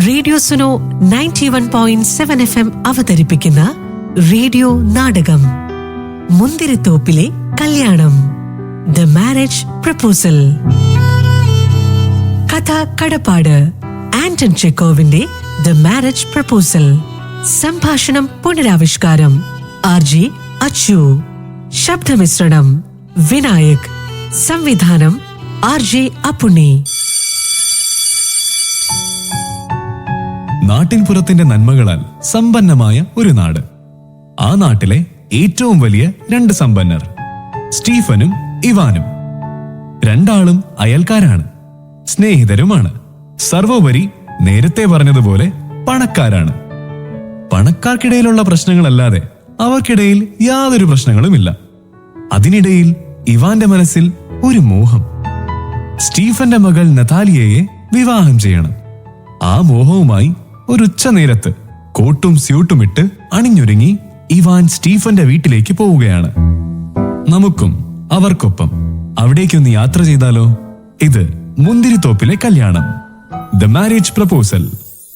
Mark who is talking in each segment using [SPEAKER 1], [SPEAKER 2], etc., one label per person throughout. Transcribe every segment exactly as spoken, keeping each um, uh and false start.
[SPEAKER 1] Radio Suno ninety one point seven F M അവതരിപ്പിക്കുന്ന radio നാടകം മുന്തിരിത്തോപ്പിലെ കല്യാണം, ദ മാരേജ് പ്രപ്പോസൽ. കഥ കടപ്പാട്, ആന്റൺ ചെക്കോവിന്റെ ദ മാരേജ് പ്രപ്പോസൽ. സംഭാഷണം പുനരാവിഷ്കാരം ആർ ജെ അച്ചു. ശബ്ദമിശ്രണം വിനായക്. സംവിധാനം ആർ ജെ അപ്പുണ്ണി.
[SPEAKER 2] നാട്ടിൻപുറത്തിന്റെ നന്മകളാൽ സമ്പന്നമായ ഒരു നാട്. ആ നാട്ടിലെ ഏറ്റവും വലിയ രണ്ട് സമ്പന്നർ സ്റ്റീഫനും ഇവാനും. രണ്ടാളും അയൽക്കാരാണ്, സ്നേഹിതരുമാണ്. സർവോപരി നേരത്തെ പറഞ്ഞതുപോലെ പണക്കാരാണ്. പണക്കാർക്കിടയിലുള്ള പ്രശ്നങ്ങളല്ലാതെ അവർക്കിടയിൽ യാതൊരു പ്രശ്നങ്ങളുമില്ല. അതിനിടയിൽ ഇവാന്റെ മനസ്സിൽ ഒരു മോഹം. സ്റ്റീഫന്റെ മകൾ നതാലിയയെ വിവാഹം ചെയ്യണം. ആ മോഹവുമായി ഒരു ഉച്ച നേരത്ത് കോട്ടും സ്യൂട്ടുമിട്ട് അണിഞ്ഞൊരുങ്ങി ഇവാൻ സ്റ്റീഫന്റെ വീട്ടിലേക്ക് പോവുകയാണ്. നമുക്കും അവർക്കൊപ്പം അവിടേക്കൊന്ന് യാത്ര ചെയ്താലോ? ഇത് മുന്തിരിത്തോപ്പിലെ കല്യാണം, ദ മാരേജ് പ്രപ്പോസൽ.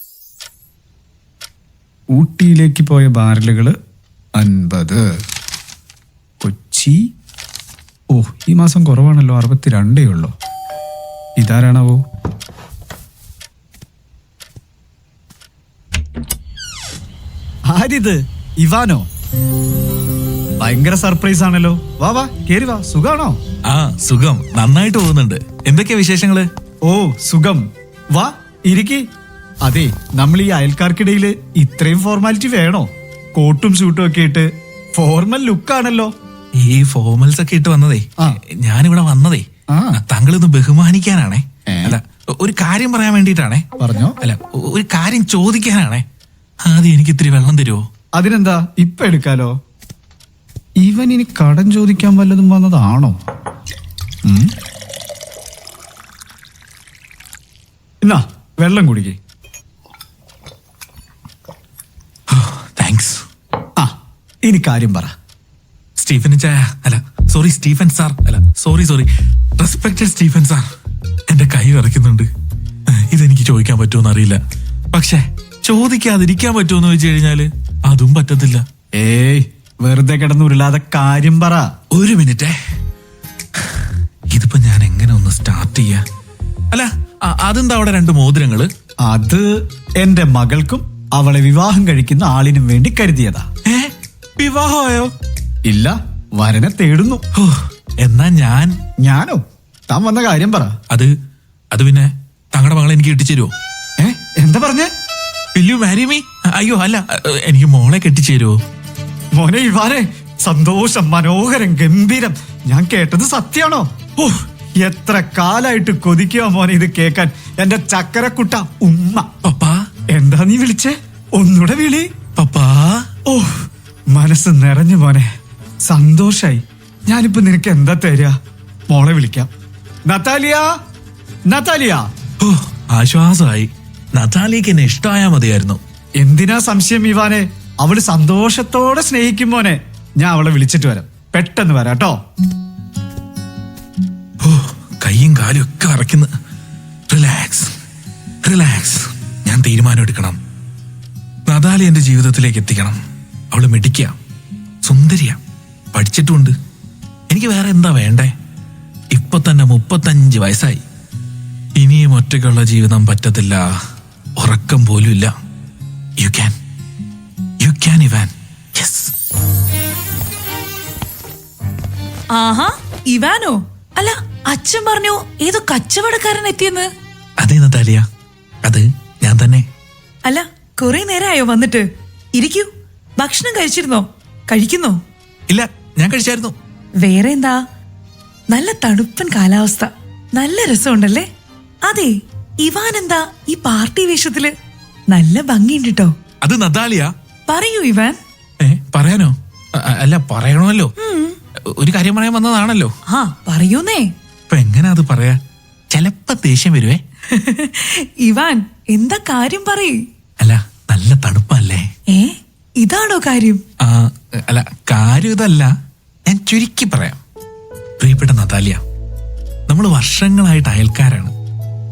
[SPEAKER 3] ഊട്ടിയിലേക്ക് പോയ ബാരലുകള് അൻപത്. കൊച്ചി, ഓ ഈ മാസം കുറവാണല്ലോ, അറുപത്തിരണ്ടേ ഉള്ളൂ. ഇതാരാണാവോ? ആരിത്? ഇവാനോ? ഭയങ്കര സർപ്രൈസ് ആണല്ലോ. വാ വാ കേറി വാ. സുഖാണോ?
[SPEAKER 4] ആ സുഖം, നന്നായിട്ട് പോകുന്നുണ്ട്. എന്തൊക്കെയാ വിശേഷങ്ങള്?
[SPEAKER 3] ഓ സുഖം, വാ ഇരിക്കി. അതെ, നമ്മൾ ഈ അയൽക്കാർക്കിടയില് ഇത്രയും ഫോർമാലിറ്റി വേണോ? കോട്ടും സ്യൂട്ടും ഒക്കെ ഇട്ട് ഫോർമൽ ലുക്കാണല്ലോ.
[SPEAKER 4] ഈ ഫോർമൽസ് ഒക്കെ ഇട്ട് വന്നതേ, ഞാനിവിടെ വന്നതേ താങ്കളൊന്ന് ബഹുമാനിക്കാനാണേ. അല്ല, ഒരു കാര്യം പറയാൻ വേണ്ടിട്ടാണേ.
[SPEAKER 3] പറഞ്ഞോ.
[SPEAKER 4] അല്ല, ഒരു കാര്യം ചോദിക്കാനാണേ. ആദ്യം എനിക്ക് ഇത്തിരി വെള്ളം തരുമോ?
[SPEAKER 3] അതിനെന്താ, ഇപ്പൊ എടുക്കാലോ. ഇവൻ ഇനി കടം ചോദിക്കാൻ വല്ലതും വന്നതാണോ? എന്നാ വെള്ളം കുടിക്കേ.
[SPEAKER 4] താങ്ക്സ്.
[SPEAKER 3] ആ ഇനി കാര്യം പറ.
[SPEAKER 4] സ്റ്റീഫൻ ചായ, അല്ല സോറി സ്റ്റീഫൻ സാർ, അല്ല sorry sorry respected Stephen sir, എന്റെ കൈ വിറയ്ക്കുന്നുണ്ട്. ഇതെനിക്ക് ചോദിക്കാൻ പറ്റുമോന്ന് അറിയില്ല, പക്ഷേ ചോദിക്കാതിരിക്കാൻ പറ്റുമെന്ന് ചോദിച്ചു കഴിഞ്ഞാല് അതും പറ്റത്തില്ല.
[SPEAKER 3] ഏയ് വെറുതെ കിടന്നുരുളാതെ കാര്യം പറ.
[SPEAKER 4] ഒരു മിനിറ്റേ, ഇതിപ്പോ ഞാൻ എങ്ങനെ ഒന്ന് സ്റ്റാർട്ട് ചെയ്യാ? അല്ല, അതെന്താ അവിടെ രണ്ട് മോതിരങ്ങള്?
[SPEAKER 3] അത് എന്റെ മകൾക്കും അവളെ വിവാഹം കഴിക്കുന്ന ആളിനും വേണ്ടി കരുതിയതാ.
[SPEAKER 4] ഏ വിവാഹമായോ?
[SPEAKER 3] ഇല്ല, വരനെ തേടുന്നു.
[SPEAKER 4] എന്നാ ഞാൻ
[SPEAKER 3] ഞാനോ? താൻ വന്ന കാര്യം പറ.
[SPEAKER 4] അത് അത് പിന്നെ തങ്ങളുടെ മകളെ എനിക്ക് കെട്ടിച്ചേരുവോ?
[SPEAKER 3] ഏ എന്താ പറഞ്ഞേ?
[SPEAKER 4] Will you marry me? അയ്യോ അല്ല, എനിക്ക് മോളെ കെട്ടിച്ചേരുവോ?
[SPEAKER 3] മോനെ ഇവാനെ, സന്തോഷം, മനോഹരം, ഗംഭീരം. ഞാൻ കേട്ടത് സത്യാണോ? ഓ എത്ര കാലായിട്ട് കൊതിക്കുക മോനെ ഇത് കേക്കാൻ. എന്റെ ചക്കരക്കുട്ട ഉമ്മ.
[SPEAKER 4] പപ്പാ.
[SPEAKER 3] എന്താ നീ വിളിച്ചേ? ഒന്നുകൂടെ വിളി.
[SPEAKER 4] പപ്പാ.
[SPEAKER 3] ഓ മനസ്സ് നിറഞ്ഞു മോനെ, സന്തോഷായി. ഞാനിപ്പോ നിനക്ക് എന്താ തരാ? മോളെ വിളിക്കാം. Natalia, Natalia.
[SPEAKER 4] ഓ ആശ്വാസമായി. നതാലിക്ക് എന്നെ ഇഷ്ടമായാ മതിയായിരുന്നു.
[SPEAKER 3] എന്തിനാ സംശയം ഇവാനെ? അവള് സന്തോഷത്തോടെ സ്നേഹിക്കും മോനെ. ഞാൻ അവളെ വിളിച്ചിട്ട് വരാം, പെട്ടെന്ന് വരാട്ടോ.
[SPEAKER 4] ഓ കൈയും കാലും ഒക്കെ അറയ്ക്കുന്നു. Relax relax. ഞാൻ തീരുമാനം എടുക്കണം. നതാലി എന്റെ ജീവിതത്തിലേക്ക് എത്തിക്കണം. അവള് മിടിക്കുക, സുന്ദരിയ, പഠിച്ചിട്ടുമുണ്ട്. എനിക്ക് വേറെ എന്താ വേണ്ടേ? ഇപ്പൊ തന്നെ മുപ്പത്തഞ്ച് വയസ്സായി. ഇനിയും ഒറ്റയ്ക്കുള്ള ജീവിതം പറ്റത്തില്ല, ഉറക്കം പോലും ഇല്ല. You can you can Ivan. Yes.
[SPEAKER 5] ആഹാ, ഇവാനോ? അല്ല, അച്ഛൻ പറഞ്ഞു ഏതോ കച്ചവടക്കാരൻ എത്തിയെന്ന്.
[SPEAKER 4] അതെ നതാലിയ, അത് ഞാൻ തന്നെ.
[SPEAKER 5] അല്ല, കുറെ നേരമായോ വന്നിട്ട്? ഇരിക്കൂ. ഭക്ഷണം കഴിച്ചിരുന്നോ? കഴിക്കുന്നോ?
[SPEAKER 4] ഇല്ല, ഞാൻ കഴിച്ചായിരുന്നു.
[SPEAKER 5] വേറെ എന്താ? നല്ല തണുപ്പൻ കാലാവസ്ഥ, നല്ല രസമുണ്ടല്ലേ? അതെ, ഇവാൻ എന്താ ഈ പാർട്ടി വേഷത്തില്? നല്ല ഭംഗിയുണ്ട് കേട്ടോ.
[SPEAKER 4] അത് നതാലിയ.
[SPEAKER 5] പറയൂ ഇവാൻ.
[SPEAKER 4] ഏ പറയാനോ? അല്ല പറയണമല്ലോ, ഒരു കാര്യം പറയാൻ വന്നതാണല്ലോ.
[SPEAKER 5] ആ പറയൂന്നേ.
[SPEAKER 4] ഇപ്പൊ എങ്ങനാ അത് പറയാ? ചെലപ്പോ ദേഷ്യം വരുവേ.
[SPEAKER 5] ഇവാൻ എന്താ കാര്യം പറയ്.
[SPEAKER 4] അല്ല, നല്ല തണുപ്പല്ലേ?
[SPEAKER 5] ഏ ഇതാണോ കാര്യം?
[SPEAKER 4] ആ അല്ല, കാര്യം ഇതല്ല, ഞാൻ ചുരുക്കി പറയാം. പ്രിയപ്പെട്ട നതാലിയ, നമ്മൾ വർഷങ്ങളായിട്ട് അയൽക്കാരാണ്.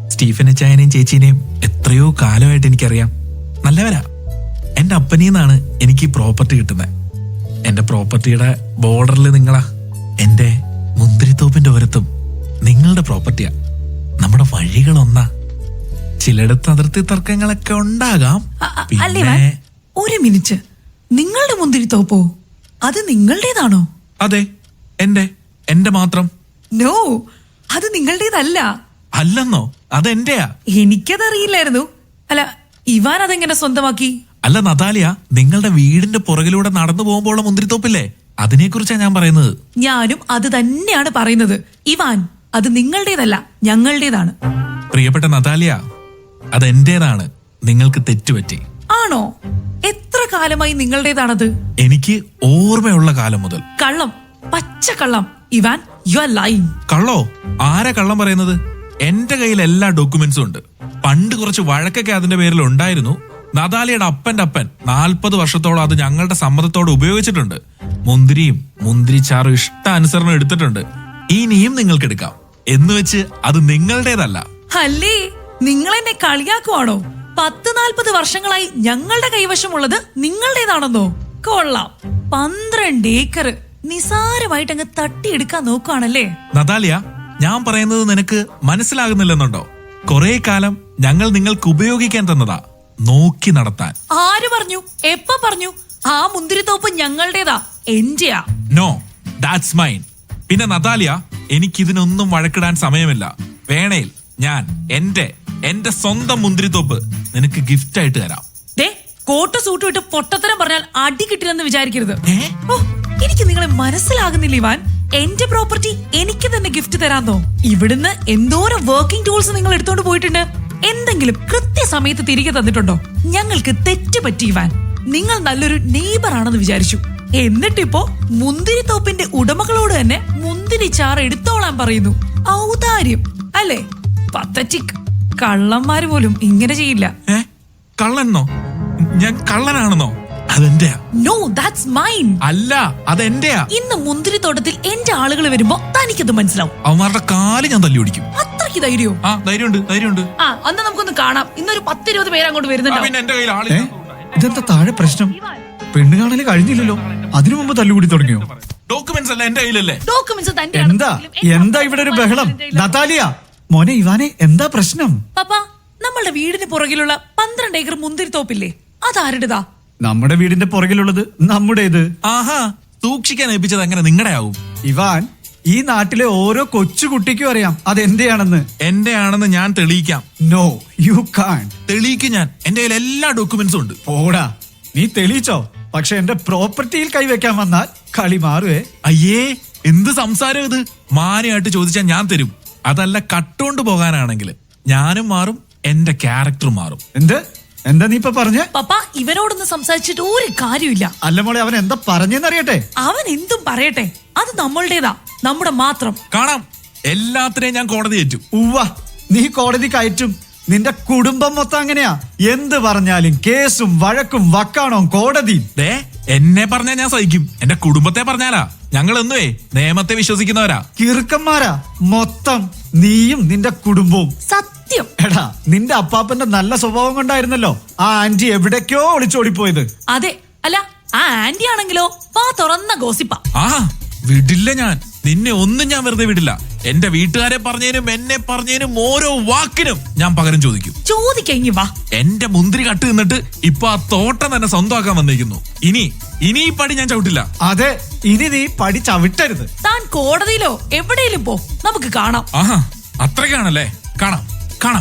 [SPEAKER 4] സ്റ്റീഫൻ അച്ചായനെയും ചേച്ചീനെയും എത്രയോ കാലമായിട്ട് എനിക്കറിയാം. നല്ലവരാ. എന്റെ അപ്പനീന്നാണ് എനിക്ക് ഈ പ്രോപ്പർട്ടി കിട്ടുന്നത്. എന്റെ പ്രോപ്പർട്ടിയുടെ ബോർഡറിൽ നിങ്ങളാ. എന്റെ മുന്തിരിത്തോപ്പിന്റെ ഓരത്തും നിങ്ങളുടെ പ്രോപ്പർട്ടിയാ. നമ്മുടെ വഴികൾ ഒന്നാ. ചിലയിടത്ത് അതിർത്തി തർക്കങ്ങളൊക്കെ ഉണ്ടാകാം.
[SPEAKER 5] അ- അ- അല്ലേ ഇവാൻ? ഒരു മിനിറ്റ്, നിങ്ങളുടെ മുന്തിരിത്തോപ്പോ? അത് നിങ്ങളുടേതാണോ?
[SPEAKER 4] അതെ, എന്റെ എന്റെ മാത്രം.
[SPEAKER 5] നോ, അത് നിങ്ങളുടേതല്ല.
[SPEAKER 4] അല്ലെന്നോ? അതെന്റെയാ.
[SPEAKER 5] എനിക്കതറിയില്ലായിരുന്നു. അല്ല, ഇവാൻ അതെങ്ങനെ സ്വന്തമാക്കി?
[SPEAKER 4] അല്ല നതാലിയ, നിങ്ങളുടെ വീടിന്റെ പുറകിലൂടെ നടന്നു പോകുമ്പോൾ മുന്തിരിത്തോപ്പില്ലേ, അതിനെ കുറിച്ചാ ഞാൻ പറയുന്നത്.
[SPEAKER 5] ഞാനും അത് തന്നെയാണ് പറയുന്നത്. ഇവാൻ, അത് നിങ്ങളുടേതല്ല, ഞങ്ങളുടേതാണ്.
[SPEAKER 4] പ്രിയപ്പെട്ട നതാലിയ, അതെന്റേതാണ്. നിങ്ങൾക്ക് തെറ്റുപറ്റി.
[SPEAKER 5] ആണോ? എത്ര കാലമായി നിങ്ങളുടേതാണത്?
[SPEAKER 4] എനിക്ക് ഓർമ്മയുള്ള കാലം മുതൽ.
[SPEAKER 5] കള്ളം, പച്ച കള്ളം. Ivan, you are lying.
[SPEAKER 4] കള്ളോ? ആരാ കള്ളം പറയുന്നത്? എന്റെ കയ്യിൽ എല്ലാ ഡോക്യുമെന്റ്സും ഉണ്ട്. പണ്ട് കുറച്ച് വഴക്കൊക്കെ അതിന്റെ പേരിൽ ഉണ്ടായിരുന്നു. നതാലിയുടെ അപ്പന്റെ അപ്പൻ നാൽപ്പത് വർഷത്തോളം അത് ഞങ്ങളുടെ സമ്മതത്തോടെ ഉപയോഗിച്ചിട്ടുണ്ട്. മുന്തിരിയും മുന്തിരിച്ചാറും ഇഷ്ടാനുസരണം എടുത്തിട്ടുണ്ട്. ഇനിയും നിങ്ങൾക്ക് എടുക്കാം. എന്ന് വെച്ച് അത് നിങ്ങളുടേതല്ല.
[SPEAKER 5] അല്ലേ, നിങ്ങൾ എന്നെ കളിയാക്കുവാണോ? പത്ത് നാൽപ്പത് വർഷങ്ങളായി ഞങ്ങളുടെ കൈവശമുള്ളത് നിങ്ങളുടേതാണെന്നോ? കൊള്ളാം. പന്ത്രണ്ട് ഏക്കർ നിസാരമായിട്ട് അങ്ങ് തട്ടിയെടുക്കാൻ നോക്കുവാണല്ലേ?
[SPEAKER 4] നതാലിയ, ഞാൻ പറയുന്നത് നിനക്ക് മനസ്സിലാകുന്നില്ലെന്നുണ്ടോ? കുറെ കാലം ഞങ്ങൾ നിങ്ങൾക്ക് ഉപയോഗിക്കാൻ തന്നതാ, നോക്കി നടത്താൻ.
[SPEAKER 5] ആര് പറഞ്ഞു? എപ്പ പറഞ്ഞു? ആ മുന്തിരിത്തോപ്പ് ഞങ്ങളുടേതാ, എന്റെയാ.
[SPEAKER 4] No, that's mine. പിന്നെ നതാലിയ, എനിക്കിതിനൊന്നും വഴക്കിടാൻ സമയമില്ല. വേണേൽ ഞാൻ എന്റെ എന്റെ സ്വന്തം മുന്തിരിത്തോപ്പ് നിനക്ക് ഗിഫ്റ്റ് ആയിട്ട് തരാം.
[SPEAKER 5] ദേ, കോട്ട് സൂട്ട് ഇട്ട് പൊട്ടത്തരം പറഞ്ഞാൽ അടി കിട്ടില്ലെന്ന് വിചാരിക്കരുത്.
[SPEAKER 4] ഏ?
[SPEAKER 5] ഓ, എനിക്ക് നിങ്ങളെ മനസ്സിലാകുന്നില്ല ഇവാൻ. എന്റെ പ്രോപ്പർട്ടി എനിക്ക് തന്നെ ഗിഫ്റ്റ് തരാന്നോ? ഇവിടുന്ന് എന്തോരം വർക്കിംഗ് ടൂൾസ് നിങ്ങൾ എടുത്തോണ്ട് പോയിട്ടുണ്ട്. എന്തെങ്കിലും കൃത്യസമയത്ത് തിരികെ തന്നിട്ടുണ്ടോ? ഞങ്ങൾക്ക് തെറ്റ് പറ്റി ഇവാൻ. നിങ്ങൾ നല്ലൊരു നെയ്ബർ ആണെന്ന് വിചാരിച്ചു. എന്നിട്ടിപ്പോ മുന്തിരിത്തോപ്പിന്റെ ഉടമകളോട് തന്നെ മുന്തിരി ചാറ് എടുത്തോളാൻ പറയുന്നു. ഔദാര്യം അല്ലേ? പത്തറ്റിക്. കള്ളന്മാര് പോലും ഇങ്ങനെ ചെയ്യില്ല.
[SPEAKER 4] ഏ? കള്ളനെന്നോ? ഞാൻ കള്ളനാണെന്നോ? അതെന്റെയാ.
[SPEAKER 5] No, that's mine.
[SPEAKER 4] അല്ല, അതെന്റെയാ.
[SPEAKER 5] ഇന്ന് മുന്തിരിത്തോട്ടത്തിൽ എന്റെ ആളുകൾ വരുമ്പോ തനിക്കത് മനസ്സിലാവും.
[SPEAKER 4] അവന്മാരുടെ കാല് ഞാൻ തല്ലി ഓടിക്കും.
[SPEAKER 5] അത്രയ്ക്ക് ധൈര്യോ?
[SPEAKER 4] ആ, ധൈര്യമുണ്ട്, ധൈര്യമുണ്ട്.
[SPEAKER 5] ആ, അന്ന് നമുക്കൊന്ന് കാണാം. ഇന്നൊരു പത്തിരുപത് പേര് അങ്ങോട്ട്
[SPEAKER 4] ആ,
[SPEAKER 5] വരുന്നുണ്ടോ?
[SPEAKER 4] പിന്നെ എന്റെ കയ്യിൽ
[SPEAKER 3] ഏ
[SPEAKER 4] ആളില്ല.
[SPEAKER 3] ഇതെന്താ താഴെ പ്രശ്നം? പെണ്ണ് കാണല് കഴിഞ്ഞില്ലല്ലോ, അതിനു മുമ്പ് തല്ലുകൂടി തുടങ്ങിയോ?
[SPEAKER 4] ഡോക്യുമെന്റ്സ് അല്ല എന്റെ കയ്യിലല്ലേ.
[SPEAKER 5] ഡോക്യുമെന്റ്സ് തന്റെ
[SPEAKER 3] എന്താ എന്താ ഇവിടെ ഒരു ബഹളം? നതാലിയ, മോനെ ഇവാനെ, എന്താ പ്രശ്നം?
[SPEAKER 5] പപ്പ, നമ്മളുടെ വീടിന് പുറകിലുള്ള പന്ത്രണ്ട് ഏക്കർ മുന്തിരിത്തോപ്പില്ലേ, അതാരുടേതാ?
[SPEAKER 3] നമ്മുടെ വീടിന്റെ പുറകിലുള്ളത് നമ്മുടേത്.
[SPEAKER 4] ആഹാ, സൂക്ഷിക്കാൻ ഏൽപ്പിച്ചത് എങ്ങനെ നിങ്ങളുടെ ആവും?
[SPEAKER 3] ഇവാൻ, ഈ നാട്ടിലെ ഓരോ കൊച്ചുകുട്ടിക്കും അറിയാം അതെന്റെയാണെന്ന്.
[SPEAKER 4] എന്റെ ആണെന്ന് ഞാൻ തെളിയിക്കാം.
[SPEAKER 3] No, you can.
[SPEAKER 4] തെളിയിക്കും ഞാൻ. എന്റെ കയ്യിൽ എല്ലാ ഡോക്യുമെന്റ്സും ഉണ്ട്.
[SPEAKER 3] പോടാ, നീ തെളിയിച്ചോ? പക്ഷെ എന്റെ പ്രോപ്പർട്ടിയിൽ കൈവയ്ക്കാൻ വന്നാൽ കളി മാറുവേ.
[SPEAKER 4] അയ്യേ, എന്ത് സംസാരം ഇത്? മാന്യമായിട്ട് ചോദിച്ചാൽ ഞാൻ തരും. അതല്ല കട്ടുകൊണ്ട് പോകാനാണെങ്കിൽ ഞാനും മാറും, എന്റെ ക്യാരക്ടർ മാറും.
[SPEAKER 3] എന്ത് എന്താ നീ ഇപ്പൊ പറഞ്ഞേ?
[SPEAKER 5] പപ്പ, ഇവനോടൊന്ന് സംസാരിച്ചിട്ട് ഒരു കാര്യമില്ല.
[SPEAKER 3] അല്ല മോളെ, അവൻ എന്താ പറഞ്ഞെന്നറിയട്ടെ?
[SPEAKER 5] അവൻ എന്തും പറയട്ടെ, അത് നമ്മളുടേതാ, നമ്മുടെ മാത്രം.
[SPEAKER 4] കാണാം, എല്ലാത്തിനെയും ഞാൻ കോടതി ഏറ്റും.
[SPEAKER 3] ഉവ്വ, നീ കോടതി കയറ്റും. നിന്റെ കുടുംബം മൊത്തം അങ്ങനെയാ. എന്ത് പറഞ്ഞാലും കേസും വഴക്കും വക്കാണോ കോടതി.
[SPEAKER 4] ദേ, എന്നെ പറഞ്ഞാൽ ഞാൻ സഹിക്കും. എന്റെ കുടുംബത്തെ പറഞ്ഞാലാ ഞങ്ങൾ എന്നുവേ നിയമത്തെ വിശ്വസിക്കുന്നവരാ.
[SPEAKER 3] കിറുക്കന്മാരാ മൊത്തം, നീയും നിന്റെ കുടുംബവും.
[SPEAKER 5] സത്യം.
[SPEAKER 3] എടാ, നിന്റെ അപ്പാപ്പന്റെ നല്ല സ്വഭാവം കൊണ്ടായിരുന്നല്ലോ ആ ആന്റി എവിടേക്കോ ഒളിച്ചോടിപ്പോയത്.
[SPEAKER 5] അതെ. അല്ല, ആ ആന്റി ആണെങ്കിലോ വാ തുറന്ന ഗോസിപ്പ.
[SPEAKER 4] ആ, വിടില്ല ഞാൻ. നിന്നെ ഒന്നും ഞാൻ വെറുതെ വിടില്ല. എന്റെ വീട്ടുകാരെ പറഞ്ഞതിനും എന്നെ പറഞ്ഞതിനും ഓരോ വാക്കിനും ഞാൻ പകരം ചോദിക്കും.
[SPEAKER 5] ചോദിക്കഴിഞ്ഞു വാ.
[SPEAKER 4] എന്റെ മുന്തിരി കട്ട് നിന്നിട്ട് ഇപ്പൊ ആ തോട്ടം തന്നെ സ്വന്തമാക്കാൻ വന്നിരിക്കുന്നു. ഇനി ഇനി ഈ പടി ഞാൻ ചവിട്ടില്ല.
[SPEAKER 3] അതെ, ഇനി നീ പടി ചവിട്ടരുത്.
[SPEAKER 5] താൻ കോടതിയിലോ എവിടെയെങ്കിലും പോ, നമുക്ക് കാണാം.
[SPEAKER 4] ആഹാ, അത്രയ്ക്കാണല്ലേ? കാണാം, കാണാം.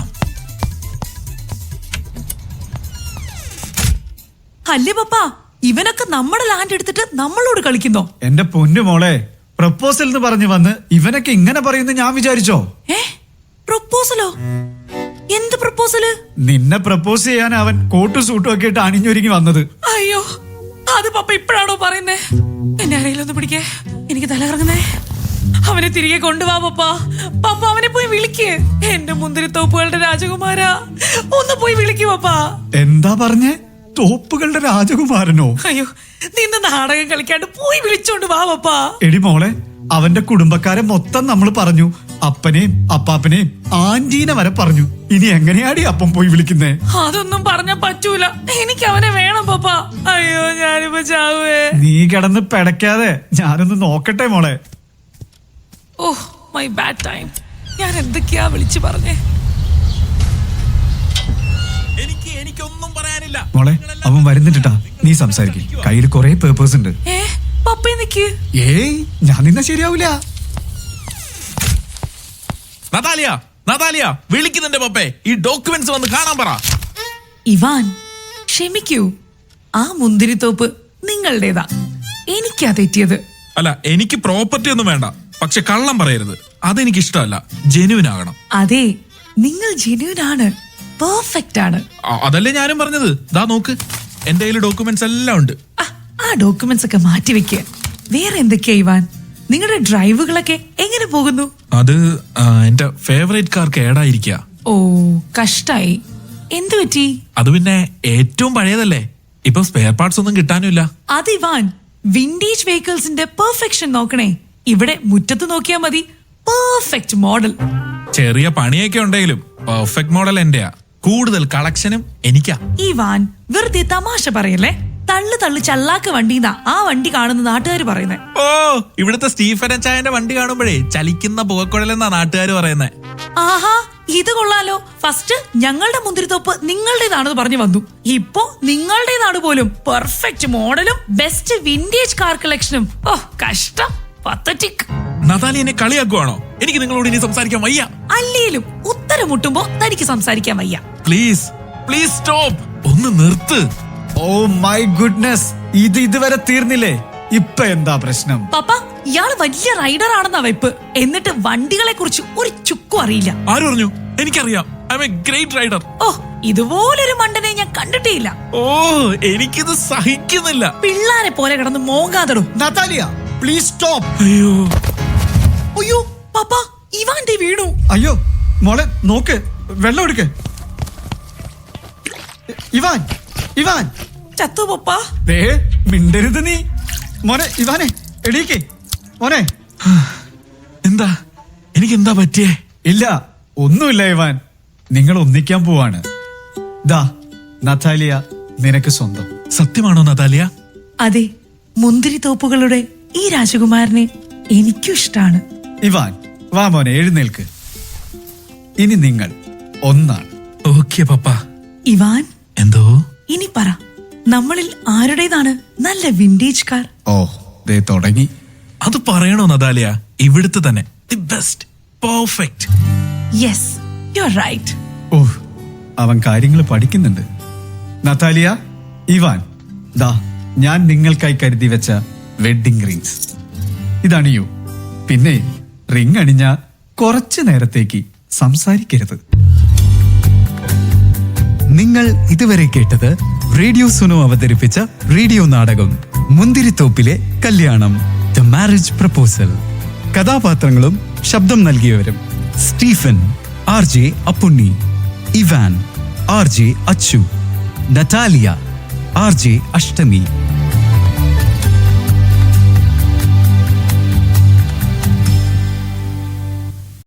[SPEAKER 5] അല്ലേ പപ്പ, ഇവനൊക്കെ നമ്മുടെ ലാൻഡ് എടുത്തിട്ട് നമ്മളോട് കളിക്കുന്നോ?
[SPEAKER 3] എന്റെ പൊന്നു മോളെ, പ്രപ്പോസൽ എന്ന് പറഞ്ഞു വന്ന് ഇവനൊക്കെ ഇങ്ങനെ പറയുന്നു ഞാൻ വിചാരിച്ചോ?
[SPEAKER 5] ഏ, പ്രപ്പോസലോ? എന്ത് പ്രപ്പോസല്?
[SPEAKER 3] നിന്നെ പ്രപ്പോസ് ചെയ്യാൻ അവൻ കോട്ടും സൂട്ടും ഒക്കെ ഇട്ട് അണിഞ്ഞൊരുങ്ങി വന്നത്.
[SPEAKER 5] അയ്യോ, അത് പപ്പ ഇപ്പോഴാണോ പറയുന്നേ? എന്നെ അറിയില്ലൊന്ന് പിടിക്കേ, എനിക്ക് തലകറങ്ങുന്നേ. അവനെ തിരികെ കൊണ്ടുവാ പപ്പ. പപ്പ, അവനെ പോയി വിളിക്ക്. എന്റെ മുന്തിരിത്തോപ്പുകളുടെ രാജകുമാരാ, ഒന്ന് പോയി വിളിക്കൂ പപ്പ.
[SPEAKER 3] എന്താ പറഞ്ഞേ? തോപ്പുകളുടെ രാജകുമാരനോ?
[SPEAKER 5] അയ്യോ, നിന്ന് നാടകം കളിക്കാണ്ട് പോയി വിളിച്ചോണ്ട് വാ പപ്പ.
[SPEAKER 3] എടി മോളെ, അവന്റെ കുടുംബക്കാരെ മൊത്തം നമ്മൾ പറഞ്ഞു. അപ്പനെയും അപ്പാപ്പനെയും ആന്റീനെ വരെ പറഞ്ഞു. ഇനി എങ്ങനെയാടി അപ്പം പോയി വിളിക്കുന്നേ?
[SPEAKER 5] അതൊന്നും പറഞ്ഞ പറ്റൂല. എനിക്ക് അവനെ വേണം പപ്പ. അയ്യോ ഞാനിപ്പോ ചാവേ.
[SPEAKER 3] നീ കിടന്ന് പെടക്കാതെ ഞാനൊന്ന് നോക്കട്ടെ മോളെ.
[SPEAKER 5] Oh my bad time. ഞാൻ എന്തൊക്കെയാ വിളിച്ചു പറഞ്ഞേ?
[SPEAKER 4] എനിക്ക് എനിക്കൊന്നും പറയാനില്ല.
[SPEAKER 3] മോളെ അവൻ വരുന്നിട്ടാ, നീ സംസാരിക്കും. കയ്യിൽ കുറെ പേപ്പേഴ്സ് ഉണ്ട്.
[SPEAKER 5] ഏ പപ്പ നിക്ക്.
[SPEAKER 3] ഏയ് ഞാൻ നിന്ന ശരിയാവൂല.
[SPEAKER 4] നതാലിയ നതാലിയ വിളിക്കുന്നുണ്ട് പപ്പേ. ഈ ഡോക്യുമെന്റ്സ് വന്ന് കാണാൻ പറ.
[SPEAKER 5] ഇവാൻ ക്ഷമിക്കൂ, ആ മുന്തിരിത്തോപ്പ് നിങ്ങളുടേതാ. എനിക്കാ തെറ്റിയത്.
[SPEAKER 4] അല്ല, എനിക്ക് പ്രോപ്പർട്ടി ഒന്നും വേണ്ട, പക്ഷെ കള്ളം പറയരുത്. അതെനിക്ക് ഇഷ്ടമല്ല. ജെന്യൂൻ ആകണം.
[SPEAKER 5] അതെ, നിങ്ങൾ ജെന്യൂൻ ആണ്, പെർഫെക്റ്റ് ആണ്.
[SPEAKER 4] അ- അതല്ലേ ഞാനും പറഞ്ഞത്. ദാ നോക്ക്, എന്റെ കയ്യിൽ ഡോക്യുമെന്റ്സ് എല്ലാം ഉണ്ട്.
[SPEAKER 5] ആ, ആ ഡോക്യുമെന്റ്സ് ഒക്കെ മാറ്റി വെക്കുക. വേറെ എന്തൊക്കെയാ ഇവാൻ? നിങ്ങളുടെ ഡ്രൈവുകളൊക്കെ എങ്ങനെ പോകുന്നു?
[SPEAKER 4] അത് ആ, എന്റെ ഫേവറേറ്റ് കാർ കേടായിരിക്കുക.
[SPEAKER 5] ഓ കഷ്ടായി. എന്തു പറ്റി?
[SPEAKER 4] അത് പിന്നെ ഏറ്റവും പഴയതല്ലേ, ഇപ്പൊ സ്പെയർ പാർട്സ് ഒന്നും കിട്ടാനുമില്ല.
[SPEAKER 5] അത് ഇവാൻ, വിന്റേജ് വെഹിക്കിൾസിന്റെ പെർഫെക്ഷൻ നോക്കണേ. ഇവിടെ മുറ്റത്ത് നോക്കിയാൽ മതി, പെർഫെക്റ്റ് മോഡൽ.
[SPEAKER 4] ചെറിയ പണിയൊക്കെ ഉണ്ടെങ്കിലും പെർഫെക്റ്റ് മോഡൽ എന്റെയാ. കൂടുതൽ കളക്ഷനും എനിക്കാ.
[SPEAKER 5] ഇവാൻ വെറുതെ തമാശ പറയല്ലേ. തള്ളു തള്ളു ചല്ലാക്ക് വണ്ടിന്നാ ആ വണ്ടി കാണുന്ന നാട്ടുകാർ പറയുന്നേ.
[SPEAKER 4] ഓ, ഇവിടുത്തെ സ്റ്റീഫൻ ചായന്റെ വണ്ടി കാണുമ്പോഴേ ചലിക്കുന്ന പുകക്കുഴലെന്നാ നാട്ടുകാർ പറയുന്നേ.
[SPEAKER 5] ആഹാ, ഇത് കൊള്ളാലോ. ഫസ്റ്റ് ഞങ്ങളുടെ മുന്തിരിത്തോപ്പ് നിങ്ങളുടേതാണെന്ന് പറഞ്ഞു വന്നു, ഇപ്പോ നിങ്ങളുടേതാണ് പോലും. പെർഫെക്റ്റ് മോഡലും ബെസ്റ്റ് വിന്റേജ് കാർ കളക്ഷനും. ഓ കഷ്ടം, പത്തറ്റിക്.
[SPEAKER 4] നതാലി എന്നെ കളിയാക്കുവാണോ? എനിക്ക് നിങ്ങളോട് ഇനി സംസാരിക്കാൻ വയ്യ.
[SPEAKER 5] അല്ലേലും ഉത്തരം മുട്ടുമ്പോ തനിക്ക് സംസാരിക്കാൻ വയ്യ.
[SPEAKER 4] Please please stop. ഒന്ന് നിർത്ത്.
[SPEAKER 3] ഓ മൈ ഗുഡ്നസ്, ഇത് ഇതുവരെ തീർന്നില്ലേ? ഇപ്പൊ എന്താ പ്രശ്നം?
[SPEAKER 5] പപ്പ, ഇയാള് വലിയ റൈഡർ ആണെന്നാ വെപ്പ്. എന്നിട്ട് വണ്ടികളെ കുറിച്ച് ഒരു ചുക്കും അറിയില്ല.
[SPEAKER 4] ആര് പറഞ്ഞു? എനിക്കറിയാം. I am a great rider.
[SPEAKER 5] ഓ, ഇതുപോലൊരു മണ്ടനെ ഞാൻ കണ്ടിട്ടേയില്ല.
[SPEAKER 4] ഓ, എനിക്കിത് സഹിക്കുന്നില്ല.
[SPEAKER 5] പിള്ളാരെ പോലെ കിടന്ന് മോങ്ങാതടോ.
[SPEAKER 3] Natalia please stop.
[SPEAKER 4] അയ്യോ
[SPEAKER 5] അയ്യോ പപ്പ, ഇവാന്റെ വീണു.
[SPEAKER 3] അയ്യോ മോളെ നോക്ക്, വെള്ളം എടുക്ക്. ഇവാൻ ഇവാൻ
[SPEAKER 5] ചത്തു പപ്പ.
[SPEAKER 3] ദേ മിണ്ടരുത് നീ. മോനെ ഇവാനെ എടീക്ക് മോനെ.
[SPEAKER 4] എന്താ, എനിക്ക് എന്താ പറ്റിയേ?
[SPEAKER 3] ഇല്ല ഒന്നുമില്ല ഇവാൻ, നിങ്ങൾ ഒന്നിക്കാൻ പോവാണ്. ദാ നതാലിയ നിനക്ക് സ്വന്തം.
[SPEAKER 4] സത്യമാണോ നതാലിയ?
[SPEAKER 5] അതെ, മുന്തിരിത്തോപ്പുകളുടെ ഈ രാജകുമാരനെ എനിക്കും ഇഷ്ടാണ്.
[SPEAKER 3] ഇവാൻ വാ മോനെ, എഴുന്നേൽക്ക്. ഇനി നിങ്ങൾ ഒന്നാണ്.
[SPEAKER 4] ഓക്കെ പപ്പ.
[SPEAKER 5] ഇവാൻ,
[SPEAKER 4] എന്തോ?
[SPEAKER 5] ഇനി പറ, നമ്മളിൽ ആരുടേതാണ് നല്ല വിന്റേജ് കാർ?
[SPEAKER 3] ഓ ദേ തുടങ്ങി.
[SPEAKER 4] അത് പറയണോ നതാലിയ? ഇവിടുത്തെ തന്നെ the best, perfect.
[SPEAKER 5] Yes, you are right.
[SPEAKER 3] ഓ അവൻ കാര്യങ്ങൾ പഠിക്കുന്നുണ്ട്. നതാലിയ, ഇവാൻ, ദാ ഞാൻ നിങ്ങൾക്കായി കരുതി വെച്ച വെഡിങ് റിങ്സ് ഇതാണ്. യു പിന്നെ റിങ് അണിഞ്ഞ കുറച്ചു നേരത്തേക്ക് സംസാരിക്കരുത്.
[SPEAKER 6] നിങ്ങൾ ഇതുവരെ കേട്ടത് റേഡിയോ സുനോ അവതരിപ്പിച്ച റേഡിയോ നാടകം മുന്തിരിത്തോപ്പിലെ കല്യാണം, ദ മാരേജ് പ്രപ്പോസൽ. കഥാപാത്രങ്ങളും ശബ്ദം നൽകിയവരും: Stephen R J Appunni, Ivan R J Achu, Natalia R J അഷ്ടമി,